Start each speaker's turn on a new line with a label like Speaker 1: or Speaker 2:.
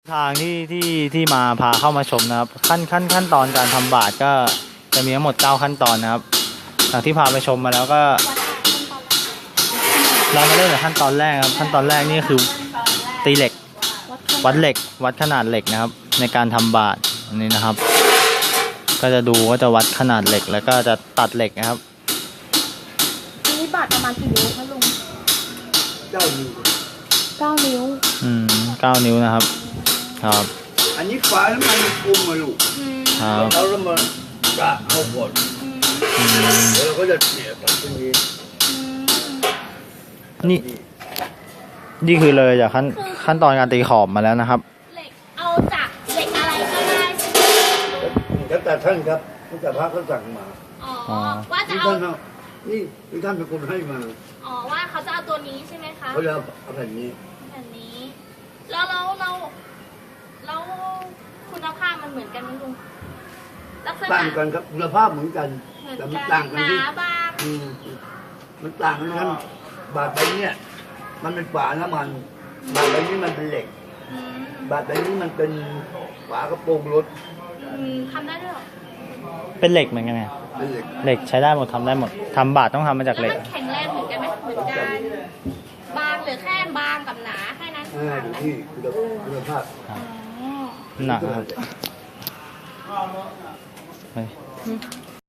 Speaker 1: ทางที่มาพาเข้ามาชมนะครับขั้นตอนการทำบาตรก็จะมีทั้งหมด9ขั้นตอนนะครับหลังที่พาไปชมมาแล้วก็เรามาเริ่มจากขั้นตอนแรกครับขั้นตอนแรกนี่คือตีเหล็กวัดเหล็กวัดขนาดเหล็กนะครับในการทำบาตรอันนี้นะครับก็จะดูว่าจะวัดขนาดเหล็กแล้วก็จะตัดเหล็กนะครับ
Speaker 2: อันนี้บาตรประมาณกี่นิ้วคะลุง
Speaker 3: 9 นิ้ว
Speaker 2: 9 นิ้ว
Speaker 1: 9 นิ้วนะครับครับ
Speaker 3: อันนี้ฝาแล้วมันกุมมาลูก
Speaker 1: ครับ
Speaker 3: เราแล้วมันกะเอาก่อนแล้วเราก็จะเสียตัดตรงนี้
Speaker 1: นี่คือเลยจากขั้นตอนการตีขอบมาแล้วนะครับ
Speaker 2: เหล็กเอาจากเหล็กอะไรก็ได้
Speaker 3: แล้วแต่ท่านครับตั้งแต่พระเขาสั่งมา
Speaker 2: อ๋อว่าจะเอา
Speaker 3: นี่ท่านเป็นคนให้มา
Speaker 2: อ๋อว่าเขาจะเอาตัวนี้ใช่ไหมคะ
Speaker 3: เขาจะเอาแผ่นนี้
Speaker 2: แล้วคุณภาพมันเหมือนกันไหมลุง
Speaker 3: ต่างกันครับคุณภาพเหมือนกันแต่มันต่างกันที่มันต่างกันนั้นบาดใบนี้มันเป็นฝาน้ำมันบาดใบนี้มันเป็นเหล็กบาดใบนี้มันเป็นฝากระโปรงรถ
Speaker 2: ทำได้ด้วยหรอ
Speaker 1: เป็นเหล็กเหมือนกันไง
Speaker 3: เป็น
Speaker 1: เหล็กใช้ได้หมดทำได้หมดทำบาตรต้องทำมาจากเหล็ก
Speaker 2: แข็งแรงเหมือนกันไหมเหมือนกันบางหรือแค่บางกับหนาแค่นั้น
Speaker 3: ดูที่คุณภาพ
Speaker 1: หนักครับ